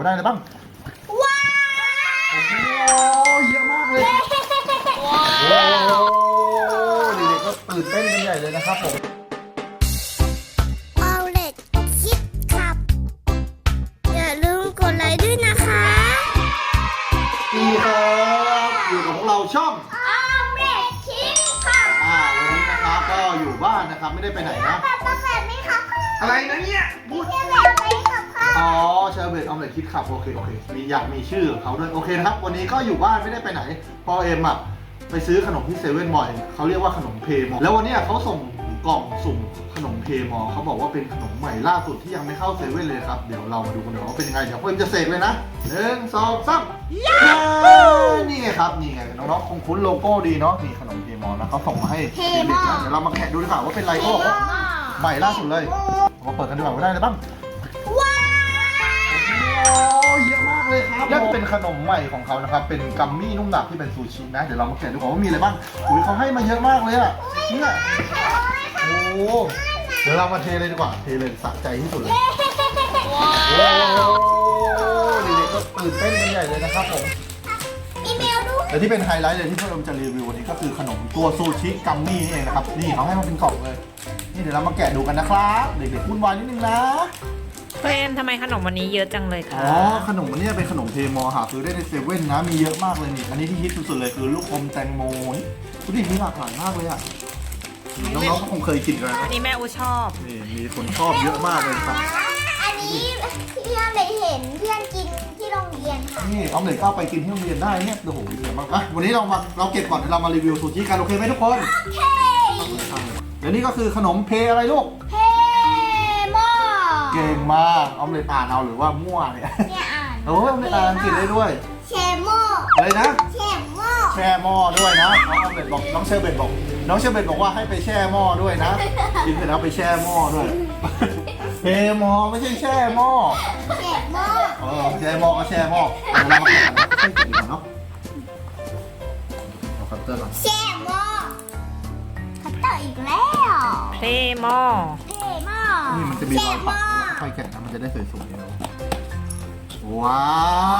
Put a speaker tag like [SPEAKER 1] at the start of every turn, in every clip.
[SPEAKER 1] ได้เลยบ้าง
[SPEAKER 2] ว้า
[SPEAKER 1] โอ้โหเยอะมากเลยโอ้เด็กๆก็ตื่นเต้นกันใหญ่เลยนะครับผม
[SPEAKER 2] เอาเล็กคิดครับอย่าลืมกดไลค์ด้วยนะคะ
[SPEAKER 1] ดีครับอยู่กับพวกเราช่อง
[SPEAKER 2] เอาเล็กคิดครับ
[SPEAKER 1] วันนี้นะครับก็อยู่บ้านนะครับไม่ได้ไปไหนนะ
[SPEAKER 2] แบบไหมครับ
[SPEAKER 1] อะไรนะเนี่ย
[SPEAKER 2] พูดแบบไหมครับ
[SPEAKER 1] อ๋อเชอร์เบตออมเล็ตคิดขับโอเคอยากมีชื่อของเขาด้วยโอเคนะครับวันนี้ก็อยู่บ้านไม่ได้ไปไหนพอเอ็มไปซื้อขนมที่เซเว่นบ่อยเขาเรียกว่าขนมเพมอแล้ววันนี้เขาส่งกล่องสุ่มขนมเพมอเขาบอกว่าเป็นขนมใหม่ล่าสุดที่ยังไม่เข้าเซเว่นเลยครับเดี๋ยวเรามาดูกันว่าเป็นยังไงเดี๋ยวเอ็มจะเสกเลยนะ1 2 3นี่ไงครับนี่ไงน้องๆคงคุ้นโลโก้ดีเนาะนี่ขนมเพมอนะเขาส่งมาให้เด็กๆนะเดี๋ยวเรามาแกะดูดีกว่าว่าเป็นอะไรก็บอกว่าใหม่ล่าสุดเลยมาเปิดกันดีกว่าว่าได้อะไรบ้าง
[SPEAKER 2] ว้าว
[SPEAKER 1] เยอะมากเลยครับและเป็นขนมใหม่ของเขานะครับเป็นกัมมี่นุ่มหนับที่เป็นซูชินะเดี๋ยวเรามาแกะดูก่อนว่ามีอะไรบ้างอุ้ยเขาให้มาเยอะมากเลยอ่ะเนี่ยโอ้เดี๋ยวเรามาเทเลยดีกว่าเทเลยสะใจที่สุดเลยโอ้เด็กๆก็ตื่นเต้นกันใหญ่เลยนะครับผม
[SPEAKER 2] อีเมลดู
[SPEAKER 1] แต่ที่เป็นไฮไลท์เลยที่พวกเราจะรีวิววันนี้ก็คือขนมตัวซูชิกัมมี่นี่เองนะครับนี่เขาให้มาเป็นกล่องเลยนี่เดี๋ยวเรามาแกะดูกันนะครับเด็กๆวุ่นวายนิดนึงนะ
[SPEAKER 3] เฟรมทำไมขนมวันนี้เยอะจังเลยคะ
[SPEAKER 1] ขนมวันนี้เป็นขนมเพมอหาซื้อได้ในเซเว่นนะมีเยอะมากเลยนี่อันนี้ที่ฮิตสุดๆเลยคือลูกอมแตงโมนี่ดูดิมีหลากหลายมากเลยอ่ะน้องๆก็คงเคยกินกันนะ
[SPEAKER 3] อันนี้แม่อูชอบ
[SPEAKER 1] นี่มีคนชอบเยอะมากเลยครับ
[SPEAKER 2] อันนี้พี่ออมเล็ตเห็นเพื่อนกินที่โรงเรียนค่ะ
[SPEAKER 1] นี่ออมเล็ตก็ไปกินที่โรงเรียนได้เนี่ยโอ้โหเยอะมากวันนี้เราเก็บก่อนเดี๋ยวเรามารีวิวซูชิกันโอเคไหมทุกคน
[SPEAKER 2] โอเค
[SPEAKER 1] เดี๋ยวนี้ก็คือขนมเพอะไรลูก
[SPEAKER 2] เพมอ
[SPEAKER 1] เก่งมากออมเล็ตอ่านเอาหรือว่ามั่วเนี่ย
[SPEAKER 2] อ่าน
[SPEAKER 1] โอ้ยออมเล็ตอ่านอังกฤษได้ด้วย
[SPEAKER 2] เชมอ
[SPEAKER 1] อะไรนะ
[SPEAKER 2] เชมอ
[SPEAKER 1] แช่หม้อด้วยนะน้องออมเล็ตบอกน้องเชอร์เบตบอกว่าให้ไปแช่หม้อด้วยนะกินเสร็จแล้วไปแช่หม้อด้วยเพมอไม่ใช่แช่หม้อ
[SPEAKER 2] เชมอ
[SPEAKER 1] แช่หม้อก็แช่หม้อเรามาแกะกันค่อยๆกินก่อนเนาะเอาคัตเตอร์ก่อน
[SPEAKER 2] เชมอคัตเตอร์อีกแล้ว
[SPEAKER 3] เพมอ
[SPEAKER 2] เพมอ
[SPEAKER 1] นี่มันจะมีรอยปักค่อยๆแกะนะมันจะได้สวยๆเนาะว้าว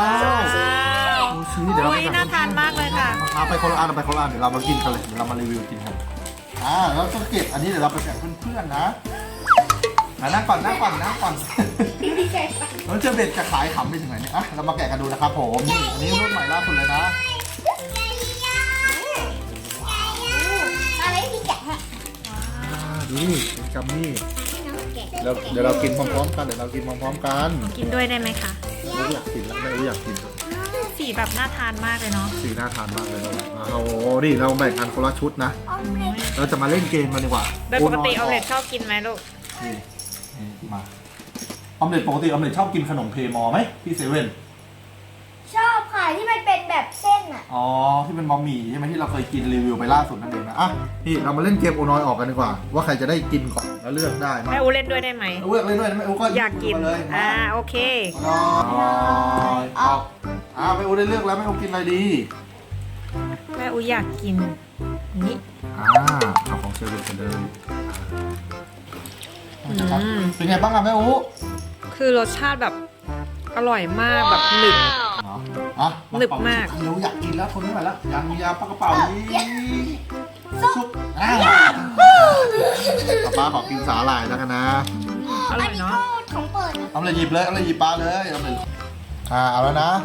[SPEAKER 1] ดูสิเดี๋ยวเรา
[SPEAKER 3] น่าทานมากเลยค่ะ
[SPEAKER 1] เอาไปคนละอันเดี๋ยวเรามากินกันเลยเดี๋ยวเรามารีวิวกินกันแล้วก็เก็บอันนี้เดี๋ยวเราไปแจกเพื่อนๆนะนั่งก่อนแล้วเจะเบ็ดจะขายขำไปถึงไหนเนี่ยเรามาแกะกันดูนะครับผมนี่อันนี้รุ่นใหม่ล่าสุดเลยนะ
[SPEAKER 2] อะไรที่แกะ
[SPEAKER 1] ดูนี่เป็นกัมมี่เดี๋ยวเรากินพร้อมๆกัน
[SPEAKER 3] กินด้วยได้ไหมคะ
[SPEAKER 1] อยากกินแล้วไม่อยากกิน
[SPEAKER 3] สีแบบน่าทานมากเลยเนาะ
[SPEAKER 1] สีน่าทานมากเลยเราดิเราแบ่งกันคนละชุดนะเราจะมาเล่นเกมกันดีกว่า
[SPEAKER 3] โดยปกติออมเล็ตชอบกินไหมลูก
[SPEAKER 1] นี่มาออมเล็ตปกติออมเล็ตชอบกินขนมเพมอไหมพี่เซเว่น
[SPEAKER 2] ชอบค่ะที่มันเป็นแบบเส้น
[SPEAKER 1] ที่เป็นบะหมี่ใช่ไหมที่เราเคยกินรีวิวไปล่าสุดนั่นเองนะนี่เรามาเล่นเกมโอน้อยออกกันดีกว่าว่าใครจะได้กินก่อนแล้วเลือกได้
[SPEAKER 3] แม่อูเล่นด้วยได้ไหม
[SPEAKER 1] เลือกเล่นด้วยแม่อูก็
[SPEAKER 3] อยากกิน
[SPEAKER 1] เลย
[SPEAKER 3] โอเค
[SPEAKER 1] โอน้อยออกแม่อูได้เลือกแล้วแม่อูกินอะไรดี
[SPEAKER 3] แม่อูอยากกินนี่
[SPEAKER 1] เอาของเชอร์เบตกันเลยเป็นไงบ้างแม่อู
[SPEAKER 3] คือรสชาติแบบอร่อยมากแบบหนึบหนึบมาก
[SPEAKER 1] เราอยากกินแล้วทนไม่ไหวแล้วยาปากกระเป๋าซุปป้าขอกินสาหร่ายแล้วกันนะ
[SPEAKER 3] อร่อยเนาะ
[SPEAKER 2] ของเปิด
[SPEAKER 1] เอาเลยหยิบเลยเอาเลยหยิบปลาเลยเอาเลยเอาแล้วนะ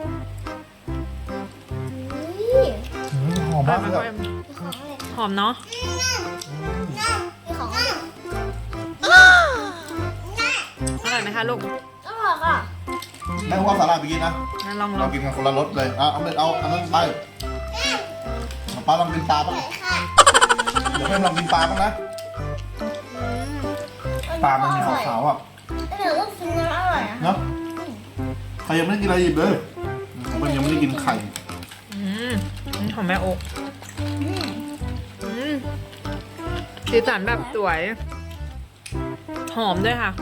[SPEAKER 1] หอมมากเลย
[SPEAKER 3] หอมเนาะอร่อยไหมคะลูก
[SPEAKER 2] อร่อยค่ะ
[SPEAKER 1] แม่ว่าสาหร่ายไปกินนะ
[SPEAKER 3] ลอง
[SPEAKER 1] เรากินกันคนละรสเลยเอาเลยเอาอันนั้นไปป้าลองกินปลาบ้างเดี๋ยวเพื่อนลองกินปลาบ้างนะปลามันมีขาวๆ
[SPEAKER 2] เดี๋ยวต้องกินน้ำอร่อย
[SPEAKER 1] เนาะใครยังไม่ได้กินอะไรหยิบเลยผมยังไม่ได้กินไข่
[SPEAKER 3] ของแม่โอ๊กสีสันแบบสวยหอมด้วยค่ะ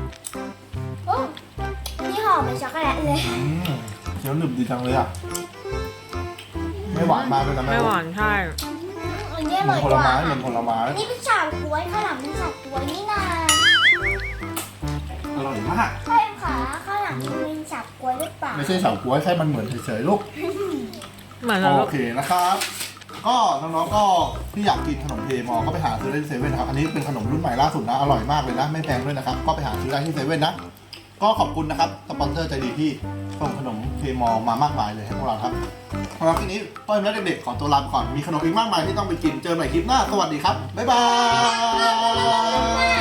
[SPEAKER 2] นี่หอมเป็นช็อกโกแลตเลย
[SPEAKER 1] เคี้ยวหนึบดีจังเลยไม่หวานมากเลยนะ
[SPEAKER 3] ไม่หวานใช่
[SPEAKER 2] เหมือนผลไม้
[SPEAKER 1] นี่
[SPEAKER 2] เป็นฉาบกล้วยข้าวหลามเป็นฉาบกล้วยนี่นา
[SPEAKER 1] อร่อยมาก
[SPEAKER 2] ข้าวขาข้าวหลลังมันเป็นสับกล้วยหรือเปล่า
[SPEAKER 1] ไม่ใช่เฉาก๊วยแค่มันเหมือนเฉยๆลูก
[SPEAKER 3] เหมือนแล้ว
[SPEAKER 1] โอเคนะครับ ก็น้องๆก็ที่อยากกินขนมเพมอก็ไปหาซื้อได้ที่เซเว่นนะครับ อันนี้เป็นขนมรุ่นใหม่ล่าสุดนะ อร่อยมากเลยนะ ไม่แพงด้วยนะครับ ก็ไปหาซื้อได้ที่เซเว่นนะ ก็ขอบคุณนะครับ สปอนเซอร์ใจดีที่ส่งขนมเพมอมามากมายเลยให้พวกเราครับสำหรับคลิปนี้พ่อเอ็มและเด็กๆขอตัวลาไปก่อน มีขนมอีกมากมายที่ต้องไปกิน เจอกันใหม่คลิปหน้า สวัสดีครับ บ๊ายบาย